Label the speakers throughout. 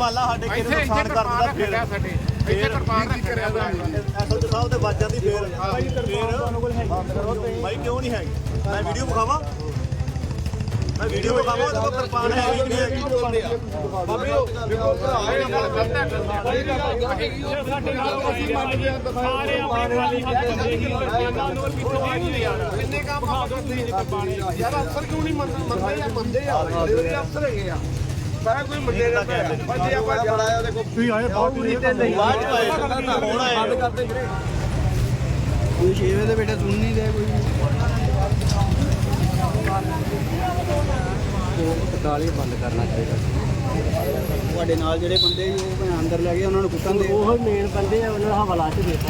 Speaker 1: ਮੰਨ ਲਾ ਸਾਡੇ ਕਿਸੇ ਨੁਕਸਾਨ ਕਰ ਦਿੰਦਾ ਫਿਰ ਇੱਥੇ ਕਿਰਪਾਨ ਰੱਖਿਆ ਐਸਐਚਓ ਸਾਹਿਬ ਤੇ ਵੱਜ ਜਾਂਦੀ ਫਿਰ ਭਾਈ ਕਿਉਂ ਨਹੀਂ ਹੈਗੀ ਮੈਂ ਵੀਡੀਓ ਵਿਖਾਵਾਂ ਉਹਦੇ ਕੋਲ ਕਿਰਪਾਨ ਹੈ ਵੀ ਨਹੀਂ ਹੈਗੀ ਬਾਬੇ ਸਾਡੇ ਨਾਲ ਅਸੀਂ ਮੰਨਦੇ ਹਾਂ ਸਾਰੇ ਆਪਣੇ ਖਾਲੀ ਹੱਥ ਕਿੰਨੇ ਕੰਮ ਕਰਦੇ ਯਾਰ ਅਫਸਰ ਕਿਉਂ ਨਹੀਂ ਮੰਨਦੇ ਯਾਰ ਅਫਸਰ ਹੈਗੇ ਆ ਸਾਰਾ ਕੋਈ ਮੁੰਡੇ ਦਾ ਬੰਦੇ ਆਪਾਂ ਜੜਾਇਆ ਉਹਦੇ ਕੋਲ ਤੁਸੀਂ ਆਏ ਬਾਅਦ ਵਿੱਚ ਹੁਣ ਆਏ ਬੰਦ ਕਰਦੇ ਵੀਰੇ ਕੋਈ 6 ਵਜੇ ਦੇ ਬੇਟੇ ਸੁਣ ਨਹੀਂ ਰਹੇ ਕੋਈ ਪਟਾਲੀ ਬੰਦ ਕਰਨਾ ਚਾਹੀਦਾ ਤੁਹਾਡੇ ਨਾਲ ਜਿਹੜੇ ਬੰਦੇ ਉਹ ਅੰਦਰ ਲੈ ਗਏ ਉਹਨਾਂ ਨੂੰ ਕੁੱਟਣ ਦੇ ਉਹ ਮੇਨ ਬੰਦੇ ਆ ਉਹਨਾਂ ਦਾ ਹਵਾਲਾ ਚ ਦੇਤਾ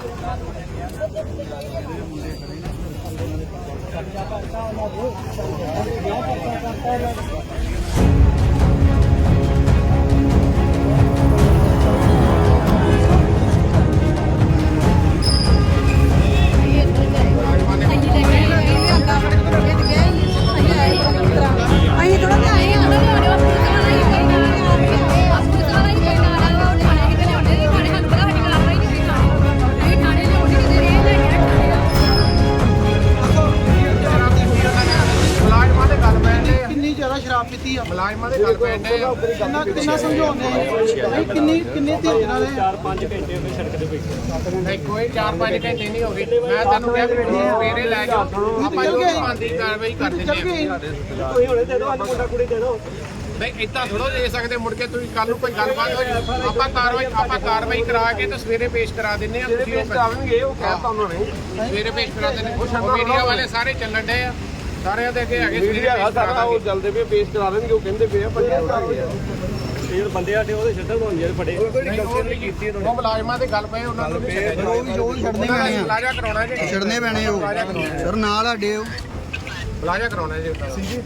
Speaker 1: ਮੁਲਾਜ਼ਮਾਂ ਦੇ ਗੱਲ ਪੈਂਦੇ ਆ ਕਿੰਨਾ ਸਮਝਾਉਂਦੇ ਕਿੰਨੇ ਧੀਰੇ ਨਾਲ 4-5 ਘੰਟੇ ਹੋ ਗਏ ਸੜਕ ਤੇ ਬੈਠੇ ਕੋਈ 4-5 ਘੰਟੇ ਨਹੀਂ ਹੋ ਗਏ ਮੈਂ ਤੁਹਾਨੂੰ ਕਿਹਾ ਸਵੇਰੇ ਲੈ ਜਾਓ ਆਪਾਂ ਜੋ ਬੰਦੀ ਕਾਰਵਾਈ ਕਰ ਦਿੰਦੇ ਆ ਕੋਈ ਹੁਣੇ ਦੇ ਦਿਓ ਅੱਜ ਮੁੰਡਾ ਕੁੜੀ ਦੇ ਦਿਓ ਨਹੀਂ ਇੱਦਾਂ ਥੋੜੋ ਦੇ ਸਕਦੇ ਮੁੜ ਕੇ ਤੁਸੀਂ ਕੱਲ ਨੂੰ ਕੋਈ ਗੱਲਬਾਤ ਹੋ ਜਾਏ ਆਪਾਂ ਕਾਰਵਾਈ ਕਰਾ ਕੇ ਤੇ ਸਵੇਰੇ ਪੇਸ਼ ਕਰਾ ਦਿੰਦੇ ਆ ਤੁਸੀਂ ਆਉਣਗੇ ਉਹ ਕਹਿਤਾ ਉਹਨਾਂ ਨੇ ਸਵੇਰੇ ਪੇਸ਼ ਕਰਾ ਦਿੰਦੇ ਮੀਡੀਆ ਵਾਲੇ ਸਾਰੇ ਚੱਲਣ ਡਏ ਆ ਸਾਰਿਆਂ ਦੇ ਅੱਗੇ ਹੈਗੇ ਮੀਡੀਆ ਹੈਗਾ ਸਾਰਾ ਉਹ ਚੱਲਦੇ ਪਏ ਪੇਸ਼ ਕਰਾ ਦੇਣਗੇ ਉਹ ਕਹਿੰਦੇ ਪਏ ਆ ਪਰ ਇਹ ਬੰਦੇ ਆਡੇ ਉਹਦੇ ਛੱਡਣ ਹੋਣ ਜਿਹੜੇ ਫੜੇ ਉਹ ਨਹੀਂ ਕੀਤੀ ਉਹਨਾਂ ਨੇ ਮੁਲਾਜ਼ਮਾਂ ਦੇ ਗੱਲ ਪਏ ਉਹਨਾਂ ਨੂੰ ਉਹ ਵੀ ਛੱਡਣੇ ਪੈਣੇ ਆ ਮੁਲਾਜ਼ਾ ਕਰਾਉਣਾ ਜੀ ਛੱਡਣੇ ਪੈਣੇ ਉਹ ਸਰ ਨਾਲ ਆਡੇ ਉਹ ਮੁਲਾਜ਼ਾ ਕਰਾਉਣਾ ਜੀ ਸੀ ਜੀ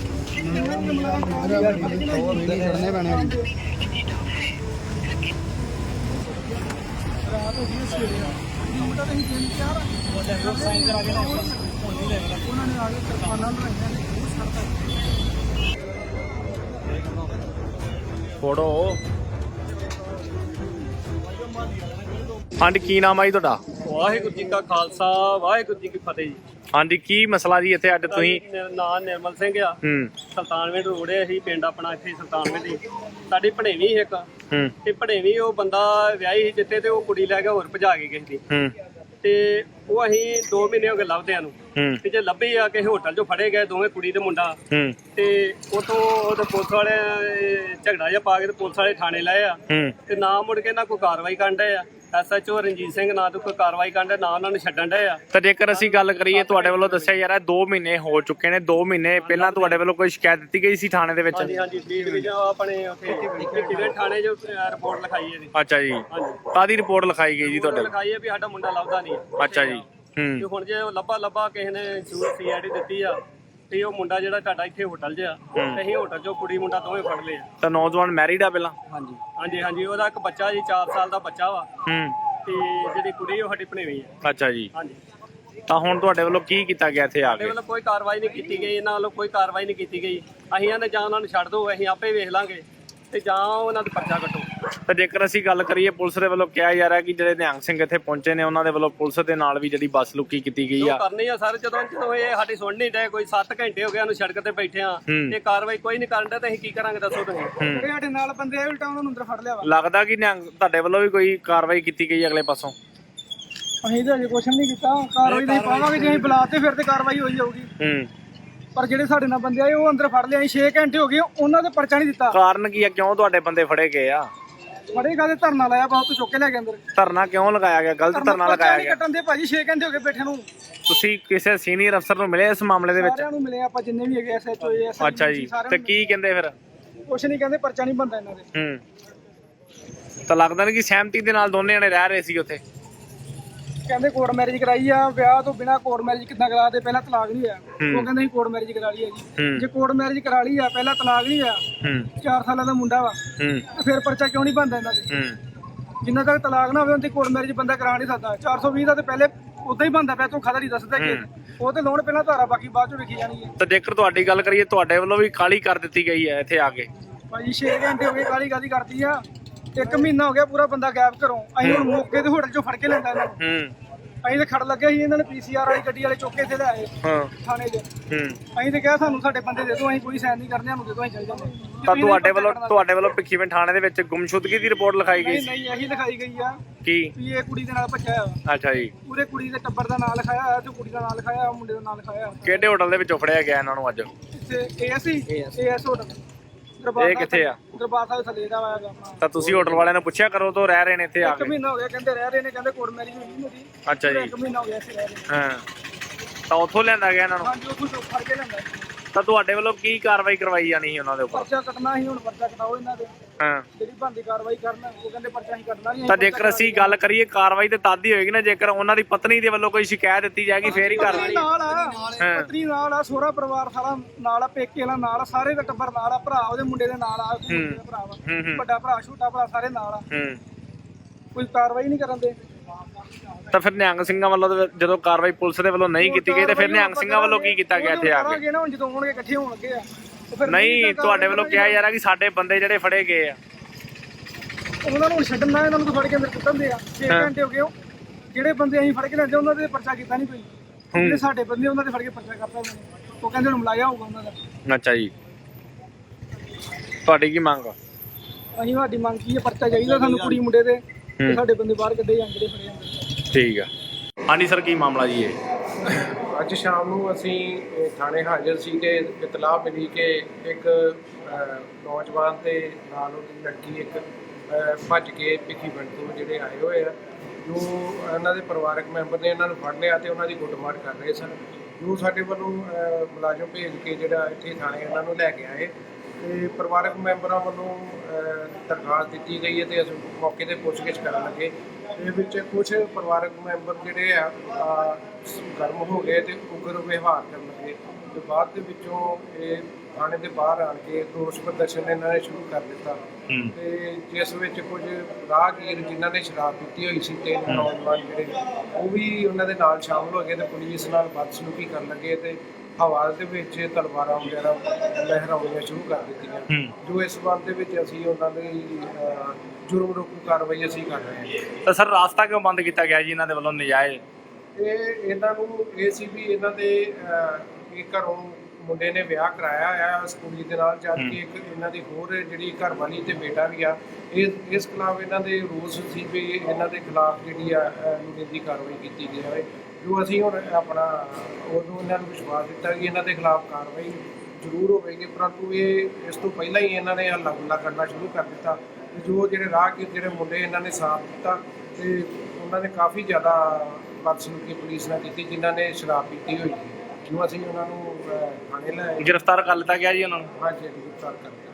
Speaker 1: ਛੱਡਣੇ ਪੈਣੇ ਰਾਤ ਹੋ ਗਈ ਸਵੇਰੇ ਮੁੰਡਾ ਤਾਂ ਹੀ 3-4 ਸਾਈਨ ਕਰਾ ਕੇ ਉਹਨਾਂ ਨੇ ਆ ਕੇ ਕਿਰਪਾਨਾਂ ਬਣਾਈਆਂ ਨੇ ਉਹ ਛੱਡਤਾ
Speaker 2: ਫੋਟੋ ਹਾਂਜੀ ਕੀ ਨਾਮ ਆ ਜੀ ਤੁਹਾਡਾ
Speaker 3: ਵਾਹਿਗੁਰੂ ਜੀ ਕਾ ਖਾਲਸਾ ਵਾਹਿਗੁਰੂ ਜੀ ਕੀ ਫਤਿਹ ਜੀ
Speaker 2: ਹਾਂਜੀ ਕੀ ਮਸਲਾ ਜੀ ਇੱਥੇ ਅੱਜ ਤੁਸੀਂ
Speaker 3: ਨਾਂ ਨਿਰਮਲ ਸਿੰਘ ਆ ਸੁਲਤਾਨਵਿੰਡ ਰੋੜੇ ਅਸੀਂ ਪਿੰਡ ਆਪਣਾ ਇੱਥੇ ਸੁਲਤਾਨਵਿੰਡ ਦੀ ਸਾਡੀ ਭਣੇਵੀਂ ਇੱਕ ਤੇ ਭਣੇਵੀਂ ਉਹ ਬੰਦਾ ਵਿਆਹੀ ਸੀ ਜਿੱਥੇ ਤੇ ਉਹ ਕੁੜੀ ਲੈ ਕੇ ਹੋਰ ਭਜਾ ਗਈ ਕਿਸੇ ਦੀ ਤੇ ਉਹ ਅਸੀਂ 2 ਮਹੀਨੇ ਹੋ ਗਏ ਲੱਭਦਿਆਂ ਨੂੰ ਤੇ ਜੇ ਲੱਭੀ ਆ ਕਿਸੇ ਹੋਟਲ 'ਚੋਂ ਫੜੇ ਗਏ ਦੋਵੇਂ ਕੁੜੀ ਤੇ ਮੁੰਡਾ ਤੇ ਉਤੋਂ ਉਹਦੇ ਪੁਲਿਸ ਵਾਲੇ ਝਗੜਾ ਜਿਹਾ ਪਾ ਕੇ ਤੇ ਪੁਲਿਸ ਵਾਲੇ ਥਾਣੇ ਲਾਏ ਆ ਤੇ ਨਾ ਮੁੜ ਕੇ ਨਾ ਕੋਈ ਕਾਰਵਾਈ ਕਰਨ ਡਏ ਆ ਐਸਐਚਓ ਰਣਜੀਤ ਸਿੰਘ ਨਾ ਤੋਂ ਕੋਈ ਕਾਰਵਾਈ ਕਰਨ ਡਏ ਨਾ ਉਹਨਾਂ ਨੂੰ ਛੱਡਣ ਡਏ ਆ
Speaker 2: ਤਾਂ ਜੇਕਰ ਅਸੀਂ ਗੱਲ ਕਰੀਏ ਤੁਹਾਡੇ ਵੱਲੋਂ ਦੱਸਿਆ ਯਾਰ 2 ਮਹੀਨੇ ਹੋ ਚੁੱਕੇ ਨੇ 2 ਮਹੀਨੇ ਪਹਿਲਾਂ ਤੁਹਾਡੇ ਵੱਲੋਂ ਕੋਈ ਸ਼ਿਕਾਇਤ ਦਿੱਤੀ ਗਈ ਸੀ ਥਾਣੇ ਦੇ ਵਿੱਚ
Speaker 3: ਹਾਂਜੀ ਆਪਣੇ ਉੱਥੇ ਕਿਹੜੇ ਥਾਣੇ 'ਚ ਰਿਪੋਰਟ ਲਿਖਾਈ ਹੈ ਜੀ
Speaker 2: ਅੱਛਾ ਜੀ ਕਾਹਦੀ ਰਿਪੋਰਟ ਲਿਖਾਈ ਗਈ ਜੀ ਤੁਹਾਡੇ
Speaker 3: ਲਿਖਾਈ ਹੈ ਵੀ ਸਾਡਾ ਮੁੰਡਾ ਲੱਭਦਾ ਨਹੀਂ
Speaker 2: ਅੱਛਾ ਜੀ
Speaker 3: ਤੇ ਹੁਣ ਜੇ ਉਹ ਲੱਭਾ ਕਿਸੇ ਨੇ ਸੀਆਈਡੀ ਦਿੱਤੀ ਆ ਤੇ ਉਹ ਮੁੰਡਾ ਜਿਹੜਾ ਤੁਹਾਡਾ ਇੱਥੇ ਹੋਟਲ 'ਚ ਆ ਤੇ ਅਸੀਂ ਹੋਟਲ 'ਚੋਂ ਕੁੜੀ ਮੁੰਡਾ ਦੋਵੇਂ ਫੜ ਲਏ ਆ
Speaker 2: ਤਾਂ ਨੌਜਵਾਨ ਮੈਰਿਡ ਆ ਪਹਿਲਾਂ
Speaker 3: ਹਾਂਜੀ ਉਹਦਾ ਇੱਕ ਬੱਚਾ ਜੀ 4 ਸਾਲ ਦਾ ਬੱਚਾ ਵਾ ਤੇ ਜਿਹੜੀ ਕੁੜੀ ਉਹ ਸਾਡੀ ਭਣੇਵੀਂ ਆ
Speaker 2: ਅੱਛਾ ਜੀ
Speaker 3: ਹਾਂਜੀ
Speaker 2: ਤਾਂ ਹੁਣ ਤੁਹਾਡੇ ਵੱਲੋਂ ਕੀ ਕੀਤਾ ਗਿਆ ਇੱਥੇ ਆ
Speaker 3: ਸਾਡੇ
Speaker 2: ਕੇ
Speaker 3: ਵੱਲੋਂ ਕੋਈ ਕਾਰਵਾਈ ਨਹੀਂ ਕੀਤੀ ਗਈ ਇਹਨਾਂ ਵੱਲੋਂ ਕੋਈ ਕਾਰਵਾਈ ਨਹੀਂ ਕੀਤੀ ਗਈ ਅਸੀਂ ਇਹਨਾਂ ਜਾਂ ਉਹਨਾਂ ਨੂੰ ਛੱਡ ਦਿਓ ਅਸੀਂ ਆਪੇ ਵੇਖ ਲਾਂਗੇ ਤੇ ਜਾਂ ਉਹਨਾਂ ਦਾ ਪਰਚਾ ਕੱਟੋ
Speaker 2: ਤਾਂ ਜੇਕਰ ਅਸੀਂ ਗੱਲ ਕਰੀਏ ਪੁਲਿਸ ਦੇ ਵੱਲੋਂ ਕਿਹਾ ਜਾ ਰਿਹਾ ਕਿ ਜਿਹੜੇ ਨਿਹੰਗ ਸਿੰਘ ਇੱਥੇ ਪਹੁੰਚੇ ਨੇ ਉਹਨਾਂ ਦੇ ਵੱਲੋਂ ਪੁਲਿਸ ਦੇ ਨਾਲ ਵੀ ਜਿਹੜੀ ਬੱਸ ਲੁੱਕੀ ਕੀਤੀ ਗਈ ਆ
Speaker 3: ਕਰਨੀ ਆ ਸਰ ਜਦੋਂ ਇਹ ਸਾਡੀ ਸੁਣ ਨਹੀਂ ਡਏ ਕੋਈ 7 ਘੰਟੇ ਹੋ ਗਏ ਉਹਨੂੰ ਸੜਕ ਤੇ ਬੈਠੇ ਆ ਤੇ ਕਾਰਵਾਈ ਕੋਈ ਨਹੀਂ ਕਰਨ ਡਿਆ ਤੇ ਅਸੀਂ ਕੀ ਕਰਾਂਗੇ ਦੱਸੋ ਤੁਸੀਂ ਜਿਹੜੇ ਸਾਡੇ ਨਾਲ ਬੰਦੇ ਆਏ ਉਲਟਾ ਉਹਨਾਂ ਨੂੰ ਅੰਦਰ ਫੜ ਲਿਆ ਵਾ
Speaker 2: ਲੱਗਦਾ ਕਿ ਨਿਹੰਗ ਤੁਹਾਡੇ ਵੱਲੋਂ ਵੀ ਕੋਈ ਕਾਰਵਾਈ ਕੀਤੀ ਗਈ ਅਗਲੇ ਪਾਸੋਂ
Speaker 3: ਅਸੀਂ ਤਾਂ ਅਜੇ ਕੁਛ ਨਹੀਂ ਕੀਤਾ ਕਾਰਵਾਈ ਨਹੀਂ ਪਾਵਾਂਗੇ ਜੇ ਅਸੀਂ ਬੁਲਾਤੇ ਫਿਰ ਤੇ ਕਾਰਵਾਈ ਹੋਈ ਜਾਊਗੀ ਪਰ ਜਿਹੜੇ ਸਾਡੇ ਨਾਲ ਬੰਦੇ ਆਏ ਉਹ ਅੰਦਰ ਫੜ ਲਿਆ 6 ਘੰਟੇ ਹੋ ਗਏ ਉਹਨਾਂ ਦੇ ਪਰਚਾ ਨਹੀਂ ਦਿੱਤਾ
Speaker 2: ਕਾਰਨ ਕੀ ਆ ਕਿਉਂ ਤੁਹਾਡੇ ਬੰਦੇ ਫੜੇ ਗਏ ਆ
Speaker 3: ਫੜੇਗਾ ਤੇ ਧਰਨਾ ਲਾਇਆ ਬਹੁਤ ਚੁੱਕ ਕੇ ਲੈ ਕੇ ਅੰਦਰ
Speaker 2: ਧਰਨਾ ਕਿਉਂ ਲਗਾਇਆ ਗਿਆ ਗਲਤ ਧਰਨਾ ਲਗਾਇਆ ਗਿਆ
Speaker 3: ਕੱਟਣ ਦੇ ਭਾਜੀ 6 ਘੰਟੇ ਹੋ ਗਏ ਬੈਠੇ ਨੂੰ
Speaker 2: ਤੁਸੀਂ ਕਿਸੇ ਸੀਨੀਅਰ ਅਫਸਰ ਨੂੰ ਮਿਲੇ ਇਸ ਮਾਮਲੇ ਦੇ ਵਿੱਚ
Speaker 3: ਸਾਰਿਆਂ ਨੂੰ ਮਿਲੇ ਆਪਾਂ ਜਿੰਨੇ ਵੀ ਹੈਗੇ ਐਸਐਚਓ
Speaker 2: ਅੱਛਾ ਜੀ ਤੇ ਕੀ ਕਹਿੰਦੇ ਫਿਰ
Speaker 3: ਕੁਛ ਨਹੀਂ ਕਹਿੰਦੇ ਪਰਚਾ ਨਹੀਂ ਬਣਦਾ ਇਹਨਾਂ ਦੇ
Speaker 2: ਤਾਂ ਲੱਗਦਾ ਨਹੀਂ ਕਿ ਸਹਿਮਤੀ ਦੇ ਨਾਲ ਦੋਨੇ ਜਣੇ ਰਹਿ ਰਹੇ ਸੀ ਉੱਥੇ
Speaker 3: ਕਹਿੰਦੇ ਕੋਰਟ ਮੈਰਿਜ ਕਰਾਈ ਆ ਵਿਆਹ ਤੋਂ ਬਿਨਾ ਕੋਰਟ ਮੈਰਿਜ ਕਿੱਦਾਂ ਕਰਾ ਦੇ ਪਹਿਲਾਂ ਤਲਾਕ ਨਹੀਂ ਹੋਇਆ ਉਹ ਕਹਿੰਦੇ ਅਸੀਂ ਕੋਰਟ ਮੈਰਿਜ ਕਰਾ ਲਈ ਆ ਜੀ ਜੇ ਕੋਰਟ ਮੈਰਿਜ ਕਰਾ ਲਈ ਆ ਪਹਿਲਾਂ ਤਲਾਕ ਨਹੀਂ ਹੋਇਆ 4 ਸਾਲਾਂ ਦਾ ਮੁੰਡਾ ਵਾ ਤੇ ਫਿਰ ਪਰਚਾ ਕਿਉਂ ਨਹੀਂ ਬਣਦਾ ਇਹਨਾਂ ਦੇ ਜਿੰਨਾ ਤੱਕ ਤਲਾਕ ਨਾ ਹੋਵੇ ਉਹਦੀ ਕੋਰਟ ਮੈਰਿਜ ਬੰਦਾ ਕਰਾ ਨਹੀਂ ਸਕਦਾ 420 ਦਾ ਤੇ ਪਹਿਲੇ ਉਦਾਂ ਹੀ ਬਣਦਾ ਪਿਆ ਤੂੰ ਖਦਾ ਨਹੀਂ ਦੱਸਦਾ ਕਿ ਉਹ ਤੇ ਲੋਨ ਪਹਿਲਾਂ ਧਾਰਾ ਬਾਕੀ ਬਾਅਦ ਚ ਵੇਖੀ ਜਾਣੀ ਹੈ
Speaker 2: ਤਾਂ ਜੇਕਰ ਤੁਹਾਡੀ ਗੱਲ ਕਰੀਏ ਤੁਹਾਡੇ ਵੱਲੋਂ ਵੀ ਕਾਲੀ ਕਰ ਦਿੱਤੀ ਗਈ ਹੈ ਇੱਥੇ ਆ ਕੇ
Speaker 4: ਭਾਜੀ 6 ਘੰਟੇ ਹੋ ਗਏ ਗਾਲੀ ਕਰਦੀ ਆ 1 ਮਹੀਨਾ ਹੋ ਗਿਆ ਪੂਰਾ ਬੰਦਾ ਗਾਇਬ ਘਰੋਂ। ਅਸੀਂ ਹੁਣ ਮੌਕੇ ਤੇ ਹੋਟਲ ਚੋਂ ਫੜ ਕੇ ਲੈਂਦਾ ਇਹਨਾਂ ਨੂੰ। ਅਸੀਂ ਤੇ ਖੜ ਲੱਗੇ ਸੀ, ਇਹਨਾਂ ਨੇ PCR ਵਾਲੀ ਗੱਡੀ ਵਾਲੇ ਚੁੱਕ ਕੇ ਇੱਥੇ ਲੈ ਆਏ ਥਾਣੇ 'ਚ। ਅਸੀਂ ਤੇ ਕਿਹਾ ਸਾਨੂੰ ਸਾਡੇ ਬੰਦੇ ਦੇ ਦਿਓ, ਅਸੀਂ ਕੋਈ ਸਾਈਨ ਨਹੀਂ ਕਰਨੇ, ਸਾਨੂੰ ਦੇ ਦਿਓ, ਅਸੀਂ ਚੱਲ ਜਾਂਦੇ।
Speaker 2: ਤਾਂ ਤੁਹਾਡੇ ਵੱਲੋਂ ਭਿੱਖੀਵਿੰਡ ਥਾਣੇ ਦੇ ਵਿੱਚ ਗੁੰਮਸ਼ੁਦਗੀ ਦੀ ਰਿਪੋਰਟ ਲਿਖਾਈ ਗਈ?
Speaker 4: ਨਹੀਂ ਇਹੀ ਲਿਖਾਈ ਗਈ ਆ
Speaker 2: ਕੀ
Speaker 4: ਵੀ ਇਹ ਕੁੜੀ ਦੇ ਨਾਲ ਭੱਜਿਆ ਆ।
Speaker 2: ਅੱਛਾ ਜੀ।
Speaker 4: ਪੂਰੇ ਕੁੜੀ ਦੇ ਟੱਬਰ ਦਾ ਨਾਂ ਲਿਖਾਇਆ ਹੋਇਆ ਤੇ ਕੁੜੀ ਦਾ ਨਾਂ ਲਿਖਾਇਆ, ਮੁੰਡੇ ਦਾ ਨਾਂ ਲਿਖਾਇਆ।
Speaker 2: ਕਿਹੜੇ ਹੋਟਲ ਦੇ ਵਿੱਚੋਂ ਫੜਿਆ ਗਿਆ ਇਹਨਾਂ ਨੂੰ ਅੱਜ?
Speaker 4: ਇੱਥੇ AS ਹੋਟਲ।
Speaker 2: ਇਹ ਕਿੱਥੇ ਆ?
Speaker 4: ਦਰਬਾਰ ਸਾਹਿਬ ਥੱਲੇ ਦਾ ਆਇਆ ਆਪਣਾ।
Speaker 2: ਤਾਂ ਤੁਸੀਂ ਹੋਟਲ ਵਾਲਿਆਂ ਨੂੰ ਪੁੱਛਿਆ ਕਰੋ ਤੋਂ ਰਹਿ ਰਹੇ ਨੇ ਇੱਥੇ ਆ
Speaker 4: 1 ਮਹੀਨਾ ਹੋ ਗਿਆ ਕਹਿੰਦੇ ਰਹਿ ਰਹੇ ਨੇ, ਕਹਿੰਦੇ ਕੋਰਟ ਮੈਰਿਜ ਹੋਈ ਮੇਰੀ।
Speaker 2: ਅੱਛਾ ਜੀ।
Speaker 4: 1 ਮਹੀਨਾ ਹੋ ਗਿਆ ਇੱਥੇ ਰਹਿ ਰਹੇ।
Speaker 2: ਹਾਂ, ਤਾਂ ਉੱਥੋਂ ਲਿਆਂਦਾ ਗਿਆ ਇਹਨਾਂ ਨੂੰ?
Speaker 4: ਹਾਂਜੀ ਉੱਥੋਂ ਚੁੱਕ ਫੜ ਕੇ ਲੈਂਦਾ।
Speaker 2: ਤਾਂ ਤੁਹਾਡੇ ਵੱਲੋਂ ਕੀ ਕਾਰਵਾਈ ਕਰਵਾਈ ਜਾਣੀ ਸੀ ਉਹਨਾਂ ਦੇ ਉੱਪਰ?
Speaker 4: ਪਰਚਾ ਕੱਟਣਾ ਸੀ, ਹੁਣ ਪਰਚਾ ਕਟਾਓ ਇਹਨਾਂ ਦੇ।
Speaker 2: ਹਾਂ,
Speaker 4: ਜਿਹੜੀ ਬਣਦੀ ਕਾਰਵਾਈ ਕਰਨ, ਉਹ ਕਹਿੰਦੇ ਪਰਚਾ ਹੀ ਕੱਟਣਾ ਨਹੀਂ।
Speaker 2: ਤਾਂ ਜੇਕਰ ਅਸੀਂ ਗੱਲ ਕਰੀਏ ਕਾਰਵਾਈ ਤੇ ਤਦ ਹੀ ਹੋਏਗੀ ਨਾ ਜੇਕਰ ਉਹਨਾਂ ਦੀ ਪਤਨੀ ਦੇ ਵੱਲੋਂ ਕੋਈ ਸ਼ਿਕਾਇਤ ਦਿੱਤੀ ਜਾਏਗੀ ਫੇਰ ਹੀ ਕਾਰਵਾਈ।
Speaker 4: ਨਾਲ ਆ ਪਤਨੀ ਨਾਲ ਆ, ਸਹੁਰਾ ਪਰਿਵਾਰ ਸਾਰਾ ਨਾਲ ਆ, ਪੇਕੇ ਵਾਲਾ ਨਾਲ ਆ, ਸਾਰੇ ਦਾ ਟੱਬਰ ਨਾਲ ਆ, ਭਰਾ ਉਹਦੇ ਮੁੰਡੇ ਦੇ ਨਾਲ ਆ, ਭਰਾ ਵਾ, ਵੱਡਾ ਭਰਾ ਛੋਟਾ ਭਰਾ ਸਾਰੇ ਨਾਲ ਆ। ਕੋਈ ਕਾਰਵਾਈ ਨਹੀਂ ਕਰਨ ਦੇ।
Speaker 2: ਤਾਂ ਫਿਰ ਨਿਹੰਗ ਸਿੰਘਾਂ ਵੱਲੋਂ ਜਦੋਂ ਕਾਰਵਾਈ ਪੁਲਿਸ ਦੇ ਵੱਲੋਂ ਨਹੀਂ ਕੀਤੀ ਗਈ ਤੇ ਫਿਰ ਨਿਹੰਗ ਸਿੰਘਾਂ ਵੱਲੋਂ ਕੀ ਕੀਤਾ ਗਿਆ ਇੱਥੇ ਆ ਕੇ?
Speaker 4: ਨਾ ਹੁਣ ਜਦੋਂ ਆਉਣਗੇ ਇਕੱਠੇ ਹੋਣ ਲੱਗੇ ਆ।
Speaker 2: ਨਹੀਂ, ਤੁਹਾਡੇ ਵੱਲੋਂ ਕਿਹਾ ਜਾ ਰਿਹਾ ਕਿ ਸਾਡੇ ਬੰਦੇ ਜਿਹੜੇ ਫੜੇ ਗਏ ਆ
Speaker 4: ਉਹਨਾਂ ਨੂੰ ਛੱਡਣਾ, ਇਹਨਾਂ ਨੂੰ ਫੜ ਕੇ ਅੰਦਰ ਕੁੱਟਣ ਦੇ ਆ। 6 ਘੰਟੇ ਹੋ ਗਏ। ਜਿਹੜੇ ਬੰਦੇ ਅਸੀਂ ਫੜ ਕੇ ਲੈਂਦੇ ਉਹਨਾਂ ਦੇ ਪਰਚਾ ਕੀਤਾ ਨਹੀਂ ਕੋਈ। ਜਿਹੜੇ ਸਾਡੇ ਬੰਦੇ ਉਹਨਾਂ ਦੇ ਫੜ ਕੇ ਪਰਚਾ ਕਰਤਾ ਉਹਨਾਂ ਨੇ। ਉਹ ਕਹਿੰਦੇ ਹੁਣ ਮਲਾਇਆ ਹੋਊਗਾ ਉਹਨਾਂ ਦਾ।
Speaker 2: ਅੱਛਾ ਜੀ। ਤੁਹਾਡੀ ਕੀ ਮੰਗ ਆ?
Speaker 4: ਅਸੀਂ ਸਾਡੀ ਮੰਗ ਕੀ ਹੈ, ਪਰਚਾ ਚਾਹੀਦਾ ਸਾਨੂੰ ਕੁੜੀ ਮੁੰਡੇ ਦੇ, ਤੇ ਸਾਡੇ ਬੰਦੇ ਬਾਹਰ ਕੱਢੇ ਜਾਣ ਜਿਹੜੇ ਫੜੇ ਜਾਂਦੇ।
Speaker 2: ਠੀਕ ਆ। ਹਾਂਜੀ ਸਰ, ਕੀ ਮਾਮਲਾ ਜੀ ਇਹ?
Speaker 1: ਅੱਜ ਸ਼ਾਮ ਨੂੰ ਅਸੀਂ ਥਾਣੇ ਹਾਜ਼ਰ ਸੀ ਕਿ ਇਤਲਾਹ ਮਿਲੀ ਕਿ ਇੱਕ ਨੌਜਵਾਨ ਤੇ ਨਾਲ ਉਹਦੀ ਲੜਕੀ ਇੱਕ ਭੱਜ ਕੇ ਭਿੱਖੀਵਿੰਡ ਤੋਂ ਜਿਹੜੇ ਆਏ ਹੋਏ ਆ, ਜੋ ਇਹਨਾਂ ਦੇ ਪਰਿਵਾਰਕ ਮੈਂਬਰ ਨੇ ਇਹਨਾਂ ਨੂੰ ਫੜ ਲਿਆ ਤੇ ਉਹਨਾਂ ਦੀ ਕੁੱਟਮਾਰ ਕਰ ਰਹੇ ਸਨ। ਜੋ ਸਾਡੇ ਵੱਲੋਂ ਮੁਲਾਜ਼ਮ ਭੇਜ ਕੇ ਜਿਹੜਾ ਇੱਥੇ ਥਾਣੇ ਇਹਨਾਂ ਨੂੰ ਲੈ ਕੇ ਆਏ ਤੇ ਪਰਿਵਾਰਕ ਮੈਂਬਰਾਂ ਵੱਲੋਂ ਦਰਖਾਸਤ ਦਿੱਤੀ ਗਈ ਹੈ ਤੇ ਅਸੀਂ ਮੌਕੇ ਤੇ ਪੁੱਛਗਿੱਛ ਕਰਨ ਲੱਗੇ। ਇਹ ਵਿੱਚ ਕੁਝ ਪਰਿਵਾਰਕ ਮੈਂਬਰ ਜਿਹੜੇ ਆ ਗਰਮ ਹੋ ਗਏ ਤੇ ਉਗਰ ਵਿਵਹਾਰ ਕਰਨ ਲੱਗੇ ਤੇ ਬਾਅਦ ਦੇ ਵਿੱਚੋਂ ਇਹ ਥਾਣੇ ਦੇ ਬਾਹਰ ਆਣ ਕੇ ਰੋਸ ਪ੍ਰਦਰਸ਼ਨ ਇਹਨਾਂ ਨੇ ਸ਼ੁਰੂ ਕਰ ਦਿੱਤਾ ਤੇ ਜਿਸ ਵਿੱਚ ਕੁਝ ਰਾਹਗੀਰ ਜਿਨ੍ਹਾਂ ਨੇ ਸ਼ਰਾਬ ਪੀਤੀ ਹੋਈ ਸੀ ਤੇ ਨੌਜਵਾਨ ਜਿਹੜੇ ਉਹ ਵੀ ਉਹਨਾਂ ਦੇ ਨਾਲ ਸ਼ਾਮਲ ਹੋ ਗਏ ਤੇ ਪੁਲਿਸ ਨਾਲ ਬਦਸਲੂਕੀ ਕਰਨ ਲੱਗੇ ਤੇ ਹਵਾ ਦੇ ਵਿੱਚ ਤਲਵਾਰਾਂ ਵਗੈਰਾ ਲਹਿਰਾਉਣੀਆਂ ਸ਼ੁਰੂ ਕਰ ਦਿੱਤੀਆਂ। ਜੋ ਇਸ ਸੰਬੰਧ ਦੇ ਵਿੱਚ ਅਸੀਂ ਉਹਨਾਂ ਦੀ ਜੁਰਮ ਰੋਕੂ ਕਾਰਵਾਈ ਅਸੀਂ ਕਰ ਰਹੇ ਹਾਂ।
Speaker 2: ਤਾਂ ਸਰ ਰਾਸਤਾ ਕਿਉਂ ਬੰਦ ਕੀਤਾ ਗਿਆ ਜੀ ਇਹਨਾਂ ਦੇ ਵੱਲੋਂ ਨਜਾਇਜ਼?
Speaker 1: ਇਹਨਾਂ ਨੂੰ ਇਹ ਸੀ ਵੀ ਇਹਨਾਂ ਦੇ ਘਰੋਂ ਮੁੰਡੇ ਨੇ ਵਿਆਹ ਕਰਾਇਆ ਆ ਇਸ ਕੁੜੀ ਦੇ ਨਾਲ, ਜਦ ਕਿ ਇੱਕ ਇਹਨਾਂ ਦੀ ਹੋਰ ਜਿਹੜੀ ਘਰ ਵਾਲੀ ਤੇ ਬੇਟਾ ਵੀ ਆ। ਇਸ ਖਿਲਾਫ ਇਹਨਾਂ ਦੇ ਰੋਸ ਸੀ ਵੀ ਇਹਨਾਂ ਦੇ ਖਿਲਾਫ ਜਿਹੜੀ ਆ ਨਿੰਦੀ ਕਾਰਵਾਈ ਕੀਤੀ ਜਾਵੇ। ਜੋ ਅਸੀਂ ਹੁਣ ਆਪਣਾ ਉਦੋਂ ਇਹਨਾਂ ਨੂੰ ਵਿਸ਼ਵਾਸ ਦਿੱਤਾ ਕਿ ਇਹਨਾਂ ਦੇ ਖਿਲਾਫ ਕਾਰਵਾਈ ਜ਼ਰੂਰ ਹੋਵੇਗੀ, ਪਰੰਤੂ ਇਹ ਇਸ ਤੋਂ ਪਹਿਲਾਂ ਹੀ ਇਹਨਾਂ ਨੇ ਹੱਲਾ ਗੁੱਲਾ ਕਰਨਾ ਸ਼ੁਰੂ ਕਰ ਦਿੱਤਾ। ਜੋ ਜਿਹੜੇ ਰਾਹਗੀਰ ਜਿਹੜੇ ਮੁੰਡੇ ਇਹਨਾਂ ਨੇ ਸਾਥ ਦਿੱਤਾ ਤੇ ਉਹਨਾਂ ਨੇ ਕਾਫੀ ਜ਼ਿਆਦਾ ਬਦਸਲੂਕੀ ਪੁਲਿਸ ਨਾਲ ਕੀਤੀ ਜਿਨ੍ਹਾਂ ਨੇ ਸ਼ਰਾਬ ਪੀਤੀ ਹੋਈ ਸੀ। ਜੋ ਅਸੀਂ ਉਹਨਾਂ ਨੂੰ ਥਾਣੇ ਲੈ
Speaker 2: ਗ੍ਰਿਫਤਾਰ ਕਰ ਲਿੱਤਾ ਗਿਆ ਜੀ ਉਹਨਾਂ ਨੂੰ?
Speaker 1: ਹਾਂਜੀ, ਗ੍ਰਿਫਤਾਰ ਕਰ ਲਿਆ।